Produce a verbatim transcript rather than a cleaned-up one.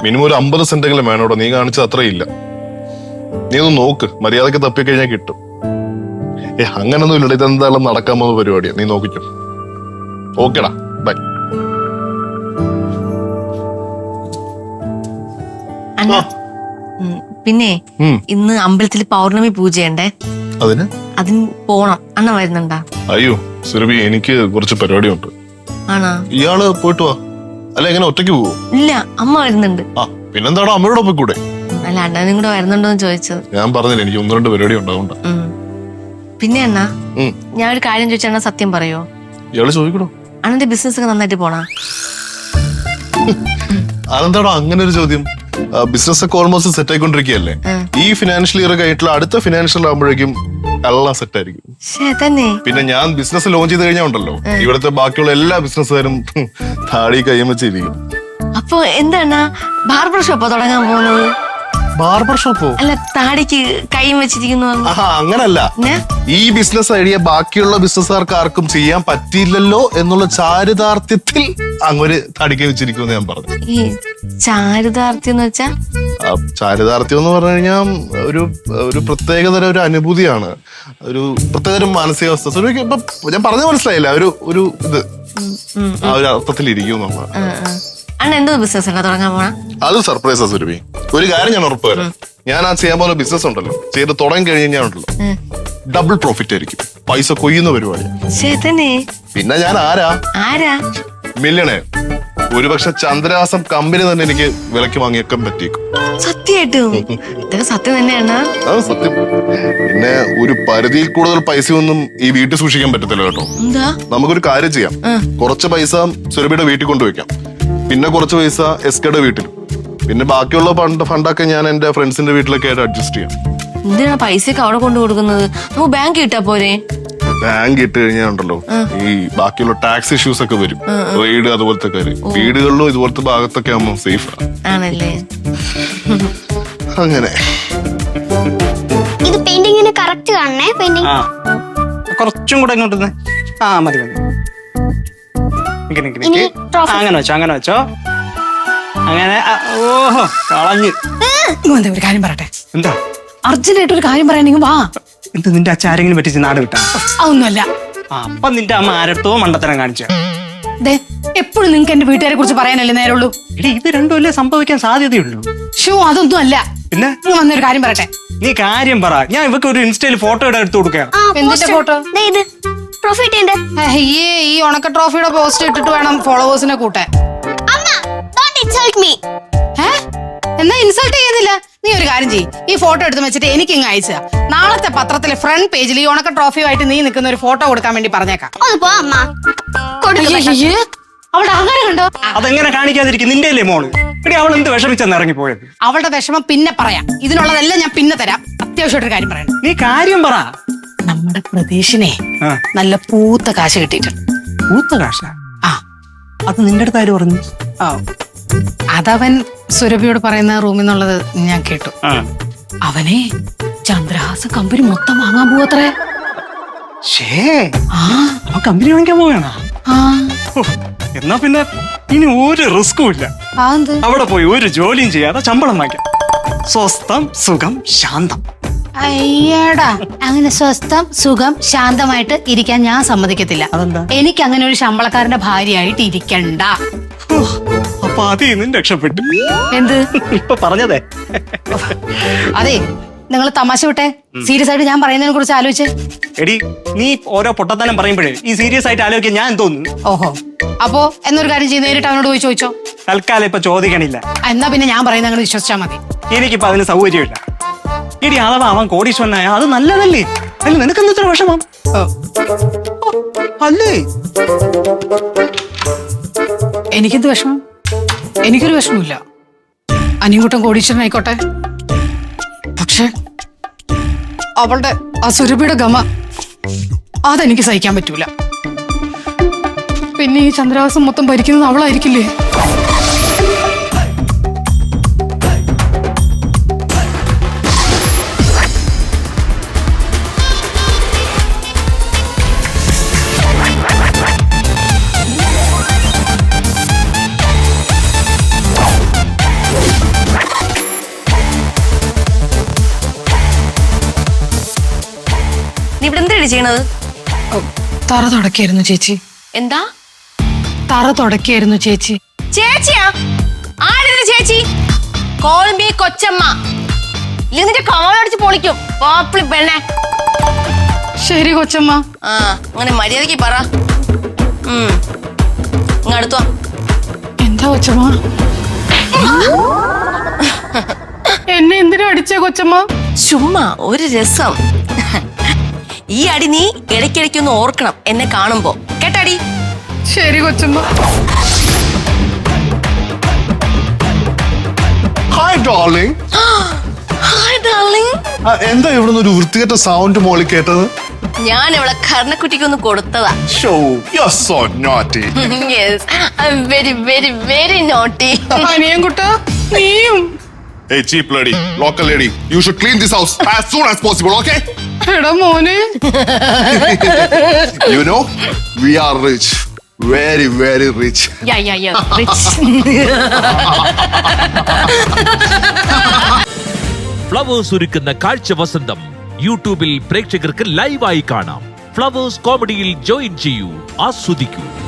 Minimum ഒരു അമ്പത് സെന്റെങ്കിലും വേണോടോ. നീ കാണിച്ചത് അത്രയില്ല. നീ ഒന്ന് നോക്ക്, മര്യാദക്ക് തപ്പിക്കഴിഞ്ഞാൽ കിട്ടും. ഏ അങ്ങനൊന്നും ഇല്ലട, ഇതെന്തായാലും നടക്കാൻ പോകുന്ന പരിപാടിയാ. നീ നോക്കിക്കോ. ഓക്കേടാ, ബൈ. പിന്നെ ഇന്ന് അമ്പലത്തിൽ പൗർണമി പൂജയുണ്ടേ, അതിന് അതിന് പോണം. അണ്ണ വരുന്നുണ്ടാ? അയ്യോ സുരഭി, എനിക്ക് കുറച്ച് പരിപാടിയുണ്ട്. ആണോ? ഇയാള് പോയിട്ട് വാ. അല്ല എങ്ങനെ ഒറ്റയ്ക്ക് പോവോ? ഇല്ല, അമ്മ വരുന്നുണ്ട്. ആ പിന്നെന്താണോ അമ്മയോടെ പോയി കൂടെ? അല്ല അണ്ണനും കൂടെ വരുന്നുണ്ടോന്ന് ചോദിച്ചത്. ഞാൻ പറഞ്ഞില്ല, എനിക്ക് ഒന്ന് രണ്ട് പരിപാടി ഉണ്ടാവുണ്ട്. പിന്നെ അണ്ണാ, ഞാൻ ഒരു കാര്യം ചോദിച്ചാ അണ്ണ സത്യം പറയോ? ഇയാള് ചോദിക്കണോ? അണ്ണന്റെ ബിസിനസ് ഒക്കെ നന്നായിട്ട് പോണാ? അതെന്താണോ അങ്ങനെ ഒരു ചോദ്യം? ബിസിനസ് ഒക്കെ ഓൾമോസ്റ്റ് സെറ്റ് ആയിക്കൊണ്ടിരിക്കുകയല്ലേ. ഈ ഫിനാൻഷ്യൽ ഇയർ കഴിഞ്ഞിട്ടുള്ള അടുത്ത ഫിനാൻഷ്യൽ ആകുമ്പോഴേക്കും എല്ലാം സെറ്റ് ആയിരിക്കും. പിന്നെ ഞാൻ ബിസിനസ് ലോഞ്ച് ചെയ്ത് കഴിഞ്ഞാൽ ഉണ്ടല്ലോ, ഇവിടുത്തെ ബാക്കിയുള്ള എല്ലാ ബിസിനസ്സുകാരും താടി കയ്യം വെച്ചിരിക്കും. അപ്പൊ എന്താണ് ബാർബർ ഷോപ്പോ തുടങ്ങാൻ പോകുന്നത്? ബാർബർ ഷോപ്പോ? അല്ല, താടിക്ക് കൈയും വെച്ചിരിക്കുന്നു. അങ്ങനല്ല, ഈ ബിസിനസ് ഐഡിയ ബാക്കിയുള്ള ബിസിനസ്സുകാർക്ക് ആർക്കും ചെയ്യാൻ പറ്റിയില്ലല്ലോ എന്നുള്ള ചാരിതാർത്ഥ്യത്തിൽ അങ്ങൊരു താടിക്ക് വെച്ചിരിക്കുമെന്ന് ഞാൻ പറഞ്ഞു. ഈ ചാരിതാർത്ഥ്യം എന്ന് വെച്ചാ? ചാരിതാർത്ഥ്യം എന്ന് പറഞ്ഞു കഴിഞ്ഞാൽ ഒരു ഒരു പ്രത്യേകതരം ഒരു അനുഭൂതിയാണ്, ഒരു പ്രത്യേകതരം മാനസികാവസ്ഥ. ഇപ്പൊ ഞാൻ പറഞ്ഞ മനസ്സിലായില്ല, ഒരു ഒരു ഇത് ആ ഒരു അർത്ഥത്തിൽ ഇരിക്കും നമ്മൾ. എന്തോ ബിസിനസ് തുടങ്ങാൻ പോണ? അത് സർപ്രൈസാ സുരഭി. ഒരു കാര്യം ഞാൻ ഉറപ്പ് വരാം, ഞാൻ ആ ചെയ്യാൻ പോകുന്ന ബിസിനസ് ഉണ്ടല്ലോ, ചെയ്ത് തുടങ്ങി കഴിഞ്ഞ് കഴിഞ്ഞാൽ ഉണ്ടല്ലോ ഡബിൾ പ്രോഫിറ്റ് ആയിരിക്കും. പൈസ കൊയ്യുന്ന പരിപാടി. പിന്നെ ഞാൻ ആരാ ആരാ മില്യണേ. ഒരുപക്ഷെ ചന്ദ്രഹാസം കമ്പനി തന്നെ എനിക്ക് വിലക്ക് വാങ്ങിയേക്കാൻ പറ്റിയേക്കും. സത്യമായിട്ടും? ഇതൊക്കെ സത്യം തന്നെയാണ്. അത് സത്യം. പിന്നെ ഒരു പരിധിയിൽ കൂടുതൽ പൈസ ഒന്നും ഈ വീട്ടിൽ സൂക്ഷിക്കാൻ പറ്റത്തില്ല കേട്ടോ. നമുക്കൊരു കാര്യം ചെയ്യാം, കുറച്ച് പൈസ സുരഭിയുടെ വീട്ടിൽ കൊണ്ടുവയ്ക്കാം, പിന്നെ കുറച്ച് പൈസ എസ് കെയുടെ വീട്ടിൽ, പിന്നെ ബാക്കിയുള്ള ഫണ്ട് ഫണ്ടൊക്കെ ഞാൻ എന്റെ ഫ്രണ്ട്സിന്റെ വീട്ടിലൊക്കെ ആയിട്ട് അഡ്ജസ്റ്റ് ചെയ്യാം. എന്തിനാ പൈസയൊക്കെ അവിടെ കൊണ്ടു കൊടുക്കുന്നത്? നമുക്ക് ബാങ്ക് ഇട്ടാ പോരെ? ബാങ്ക് ഇട്ട് കഴിഞ്ഞാൽ ഉണ്ടല്ലോ ഈ ബാക്കിയുള്ള ടാക്സ് ഇഷ്യൂസ് ഒക്കെ വരും, റെയ്ഡ് അതുപോലത്തെ കാര്യം. വീടുകളിലും ഇതുപോലത്തെ ഭാഗത്തൊക്കെ ആവുമ്പോൾ സേഫ് ആണല്ലേ. അങ്ങനെ ഇത് പെയിന്റിങ്ങിന് കറക്റ്റ് കാണണേ. പെയിന്റിങ് കുറച്ചും കൂടെ ഇങ്ങോട്ട്. ആ മതി മതി. അങ്ങനെ വെച്ചോ, അങ്ങനെ വെച്ചോ, അങ്ങനെ. ഓഹോ കളഞ്ഞ്. ഒരു കാര്യം പറയട്ടെ. എന്താ? അർജന്റായിട്ട് ഒരു കാര്യം പറയാനെങ്കിൽ വാ. എന്ത്, നിന്റെ അച്ഛൻ ആരെങ്കിലും പറ്റിച്ച് നാട് വിട്ടാ? അതൊന്നുമല്ല. അപ്പൊ നിന്റെ അമ്മ ആരത്തോ മണ്ടത്തരം കാണിച്ച. എപ്പോഴും നിങ്ങക്ക് എന്റെ വീട്ടുകാരെ കുറിച്ച് പറയാനല്ലേ നേരമുള്ളൂ. എടി ഇത് രണ്ടുമല്ലേ സംഭവിക്കാൻ സാധ്യതയുള്ളൂ. ഷോ അതൊന്നും അല്ല. പിന്നെ വന്നൊരു കാര്യം പറയട്ടെ. നീ കാര്യം പറ. ഞാൻ ഇവക്ക് ഒരു ഇൻസ്റ്റയിൽ ഫോട്ടോ ഇടാൻ എടുത്തു കൊടുക്കാം. എന്തിന്റെ ഫോട്ടോ? ഈ ഉണക്ക ട്രോഫിയുടെ പോസ്റ്റ് ഇട്ടിട്ട് വേണം ഫോളോവേഴ്സിനെ കൂട്ടാൻ. എന്നാ ഇൻസൾട്ട് ചെയ്യുന്നില്ല. നീ ഒരു കാര്യം ചെയ്യ്, ഈ ഫോട്ടോ എടുത്ത് വെച്ചിട്ട് എനിക്ക് ഇങ്ങ് അയച്ചാ നാളത്തെ പത്രത്തിലെ ഫ്രണ്ട് പേജിൽ ഈ ഉണക്ക ട്രോഫിയുമായിട്ട് നീ നിൽക്കുന്ന ഒരു ഫോട്ടോ കൊടുക്കാൻ വേണ്ടി പറഞ്ഞേക്കാം. അവളുടെ അഹങ്കാരം കണ്ടോ? അതെങ്ങനെ കാണിക്കാതിരിക്കും? നിന്റെ അല്ലേ മോള്? എടി അവൾ എന്ത് വിഷമിച്ചെന്ന് ഇറങ്ങിപ്പോയത്? അവളുടെ വിഷമം പിന്നെ പറയാം, ഇതിനുള്ളതെല്ലാം ഞാൻ പിന്നെ തരാം. അത്യാവശ്യമായിട്ടൊരു കാര്യം പറയണം. നീ കാര്യം പറ. നമ്മുടെ പ്രതീക്ഷിനെ നല്ല പൂത്ത കാശ് കിട്ടിയിട്ടുണ്ട്. പൂത്ത കാശ? ആ, അത് നിന്റെ അടുത്ത് ആര് പറഞ്ഞു? ഓ, അതവൻ സുരഭിയോട് പറയുന്ന റൂമിൽ നിന്നുള്ളത് ഞാൻ കേട്ടു. അവനെ ചന്ദ്രഹാസ കമ്പനി മൊത്തം വാങ്ങാൻ പോവത്രേ. കമ്പനി വാങ്ങിക്കാൻ പോവുകയാണോ? എന്നാ പിന്നെ ഇനി ഒരു റിസ്കും ഇല്ല. അവിടെ പോയി ഒരു ജോലിയും ചെയ്യാതെ ശമ്പളം വാങ്ങിക്കാം. സ്വസ്ഥം സുഖം ശാന്തം. അയ്യടാ, അങ്ങനെ സ്വസ്ഥം സുഖം ശാന്തമായിട്ട് ഇരിക്കാൻ ഞാൻ സമ്മതിക്കത്തില്ല. എനിക്ക് അങ്ങനെ ഒരു ശമ്പളക്കാരന്റെ ഭാര്യയായിട്ട് ഇരിക്കണ്ട. അപ്പൊ അതിൽ രക്ഷപ്പെട്ടു. എന്ത് ഇപ്പൊ പറഞ്ഞതേ? അതെ, നിങ്ങൾ തമാശ വിട്ടെ. സീരിയസ് ആയിട്ട് ഞാൻ പറയുന്നതിനെ കുറിച്ച് ആലോചിച്ച്. എടി നീ ഓരോ പൊട്ടത്തനം പറയുമ്പോഴേ ഈ സീരിയസ് ആയിട്ട് ആലോചിക്കാൻ ഞാൻ തോന്നുന്നു. ഓഹോ, അപ്പോ എന്നൊരു കാര്യം ചെയ്ത് നേരിട്ട് അവനോട് പോയി ചോദിച്ചോ. തൽക്കാലം ഇപ്പൊ ചോദിക്കണില്ല. എന്നാ പിന്നെ ഞാൻ പറയുന്നത് അങ്ങനെ വിശ്വസിച്ചാ മതി. എനിക്കിപ്പോ അതിന് സൗകര്യമില്ല. എടി അഥവാ അവൻ കോടീശ്വരനായ അത് നല്ലതല്ലേ? അല്ല നിനക്കെന്താ ഇത്ര വിഷമം? അല്ലേ എനിക്കെന്ത് വിഷമം? എനിക്കൊരു വിഷമമില്ല. അനിയൻകുട്ടൻ കോടീശ്വരനായിക്കോട്ടെ. പക്ഷെ അവളുടെ ആ സുരഭിയുടെ ഗമ അതെനിക്ക് സഹിക്കാൻ പറ്റൂല. പിന്നെ ഈ ചന്ദ്രഹാസം മൊത്തം ഭരിക്കുന്നത് അവളായിരിക്കില്ലേ? എന്തൊക്കെയാണ് ചെയ്യണത്? തറ തുടക്കായിരുന്നു ചേച്ചി. എന്താ തറ തുടക്കായിരുന്നു ചേച്ചി. ചേച്ചിയാ? ആടിന്റെ ചേച്ചി? കോൾമി കൊച്ചമ്മ. ഇല്ലെങ്കിൽ നിന്റെ കാലടിച്ച് പൊളിക്കും പാപ്പിളി പെണ്ണെ. ശരി കൊച്ചമ്മ. ആ അങ്ങനെ മര്യാദക്ക് പറ. ഉം ഇങ്ങ് അടുത്തോ. എന്താ കൊച്ചമ്മ? എന്നെ എന്തിനാ അടിച്ചേ കൊച്ചമ്മ? ചുമ്മാ ഒരു രസം. ഈ അടി നീ ഇടയ്ക്കിടയ്ക്കൊന്ന് ഓർക്കണം എന്നെ കാണുമ്പോ, കേട്ടാടി? ശരി കൊച്ചമ്മ. Hi darling. Hi darling. എന്താ ഇവിടുന്ന് ഒരു വൃത്തികെട്ട സൗണ്ട് മോളി കേട്ടത്? ഞാൻ ഇവിടെ കർണക്കുട്ടിക്കൊന്ന് കൊടുത്തതാ. So you are so naughty. Yes I am very very very naughty. അനിയൻ കുട്ടാ നീയും. Hey cheap lady, local lady, you should clean this house as soon as possible, okay? എടാ മോനെ. You know, we are rich. Very, very rich. Yeah yeah yeah rich. Flowers ഒരുക്കുന്ന കാഴ്ച വസന്തം യൂട്യൂബിൽ പ്രേക്ഷകർക്ക് ലൈവായി കാണാം. ഫ്ലവേഴ്സ് കോമഡിയിൽ ജോയിൻ ചെയ്യൂ, ആസ്വദിക്കൂ.